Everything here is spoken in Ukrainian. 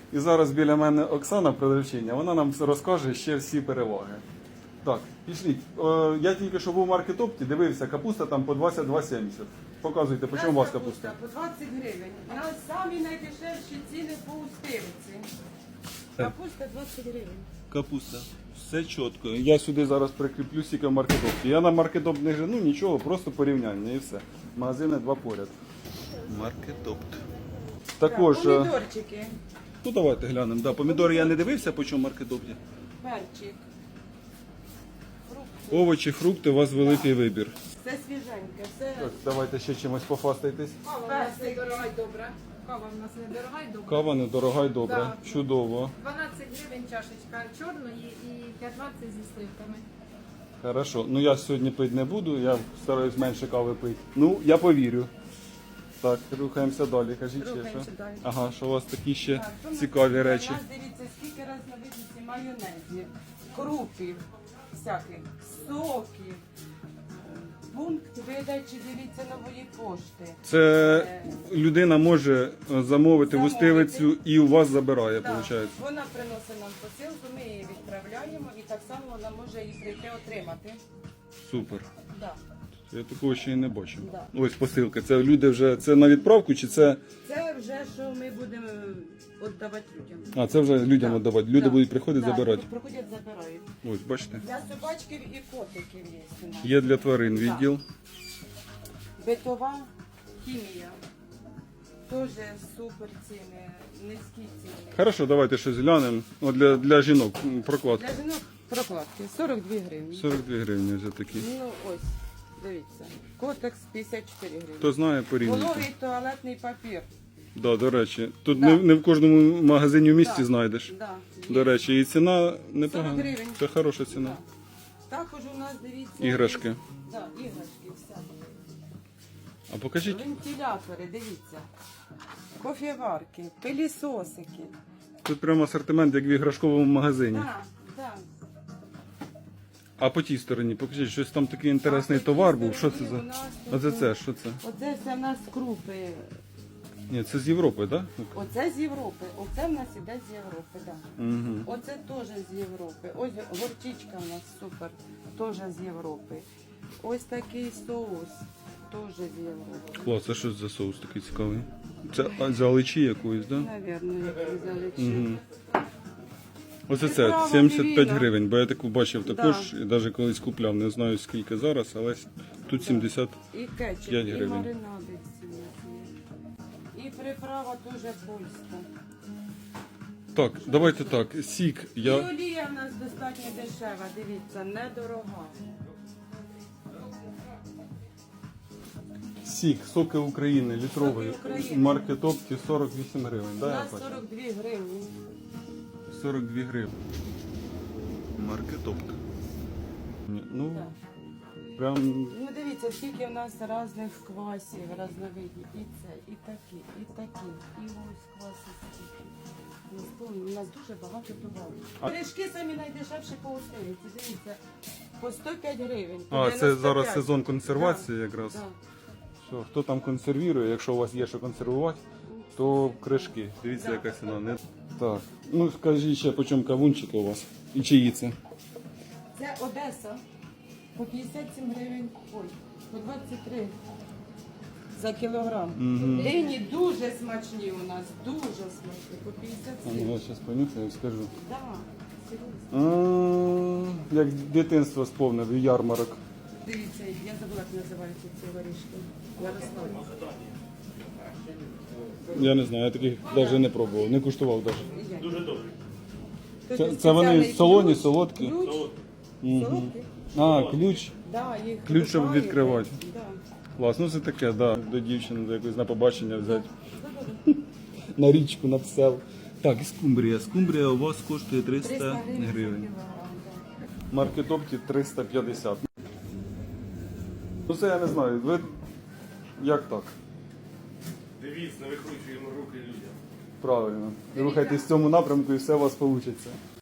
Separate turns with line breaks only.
І зараз біля мене Оксана, продавчиня, вона нам розкаже ще всі переваги. Так, пішліть. Я тільки що був в маркетопті, дивився, капуста там по 22,70. Показуйте, по чому у вас капуста?
По 20 гривень. У нас самі найдешевші ціни по устивиці. Капуста 20 гривень.
Капуста. Все чітко. Я сюди зараз прикріплю стільки в маркетопті. Я на маркетопт не жену, нічого, просто порівняння і все. Магазини два поряд. Маркетопт. Також.
Помідорчики,
Ну давайте глянемо. Да, помідори я не дивився, по чому в маркетопті.
перчик,
Овочі, фрукти, у вас великий вибір.
все свіженьке, все
Так, давайте ще чимось пофастайтесь.
Кава в нас недорога й добра. Кава в нас недорога й добра.
Кава недорога й добра.
Да.
Чудово.
12 гривень чашечка чорної і 15 зі сливками.
Хорошо. Ну я сьогодні пити не буду, я стараюсь менше кави пити. Ну, я повірю. Так, рухаємося далі. Кажіть ще
Рухаємося
що.
далі.
Ага, що у вас такі ще
Так, що
цікаві
у
речі.
нас, дивіться, скільки різновидностей майонезів, крупів, всяких, соків. Пункт видачі, дивіться, нової пошти.
Це людина може замовити в
Замовити.
устилицю і у вас забирає,
Так,
виходить.
вона приносить нам посилку, ми її відправляємо і так само вона може її прийти отримати.
Супер.
Да.
Я такого ще й не бачив.
Да.
Ось посилка. Це люди вже це на відправку чи це.
Це вже що ми будемо віддавати людям.
А, це вже людям
Да.
віддавати. Люди
Да.
будуть приходити
Да,
забирати.
Приходять, забирають.
Ось, бачите.
Для собачків і котиків є у нас.
Є для тварин відділ.
Битова хімія. Теж супер ціни, низькі ціни.
Хорошо, давайте щось глянемо. От для жінок прокладка.
Для жінок прокладки 42 гривні.
42 гривні вже такі.
Ну ось, дивіться. Котекс 54 гривні.
Хто знає, порівнюйте.
Вологий туалетний папір.
Да, до речі, тут
Да.
не в кожному магазині в місті
Да.
знайдеш.
Да,
До
є.
речі, і ціна
40
непогана.
гривень.
Це хороша ціна.
Да. Також у нас, дивіться,
Іграшки.
Да, іграшки, все.
А покажіть.
Вентилятори, дивіться. Кофеварки, пилісосики.
Тут прямо асортимент, як в іграшковому магазині.
Так, так.
А по тій стороні, покажіть, щось там такий інтересний
А по тій
товар був. Що це
стороні
за?
у нас
Оце
тут-
це, що це?
Оце все в нас крупи.
Ні, це з Європи, так?
Оце з Європи. оце в нас іде з Європи, так.
Угу.
Оце теж з Європи. Ось горчичка у нас супер, теж з Європи. Ось такий соус, теж з Європи.
Клас, це що за соус такий цікавий? Це з аличі якоїсь, так? Да?
Навірно, як взяли чи.
Угу. Оце це,
Приправа
75
мівіна.
гривень, бо я таку бачив
Да.
також, і навіть колись купляв, не знаю скільки зараз, але тут 70.
І кетчуп,
5
і
гривень.
маринади всі є. І приправа дуже польська.
Так, давайте так, сік,
І олія в нас достатньо дешева, дивіться, недорога.
Сік, соки України, літровий,
Соки України.
в маркетопті 48 гривень,
У
да, я
нас
бачу?
42 гривні.
42 гривні. Маркетопт. Ну,
Так.
прям
Ну дивіться, скільки в нас різних квасів, різновидів. І це, і такі, і такі. І ось кваси скільки. Ну, у нас дуже багато товарів.
А-
Пиріжки самі найдешевші по устилиці. Дивіться, по 105 гривень. по
А, це
95.
зараз сезон консервації якраз.
Да.
Що, хто там консервує, якщо у вас є що консервувати, то кришки. Дивіться,
Да.
яка ціна. Не... Так. Ну скажіть ще, по чому кавунчики у вас? І чиї це?
Це Одеса. По 57 гривень. Ой, по 23 за кілограм.
Мгм.
Дині дуже смачні у нас, дуже смачні. По
А,
57.
ну, я зараз понюхаю і скажу.
Да, серйозно.
Як дитинство сповнив, ярмарок.
Дивіться, я забула, як називаються ці горішки. Ярослав.
Я не знаю, я таких навіть не пробував, не куштував навіть.
Дуже добре.
Це вони солоні, солодкі?
Ключ.
Мгм.
Солодкі?
А, ключ.
Да, їх
Ключ, щоб
вибиваєте.
відкривати.
Да.
Клас, ну це таке, да. До дівчини до якось на побачення взяти.
Да.
На річку, на псел. Так, і скумбрія. Скумбрія у вас коштує
300
300
гривень за
гривень.
кілограм. Да.
Маркетопті 350. Ну це я не знаю. Ви як так?
Дивіться, не викручуємо руки людям.
Правильно. Рухайтесь в цьому напрямку і все у вас вийде.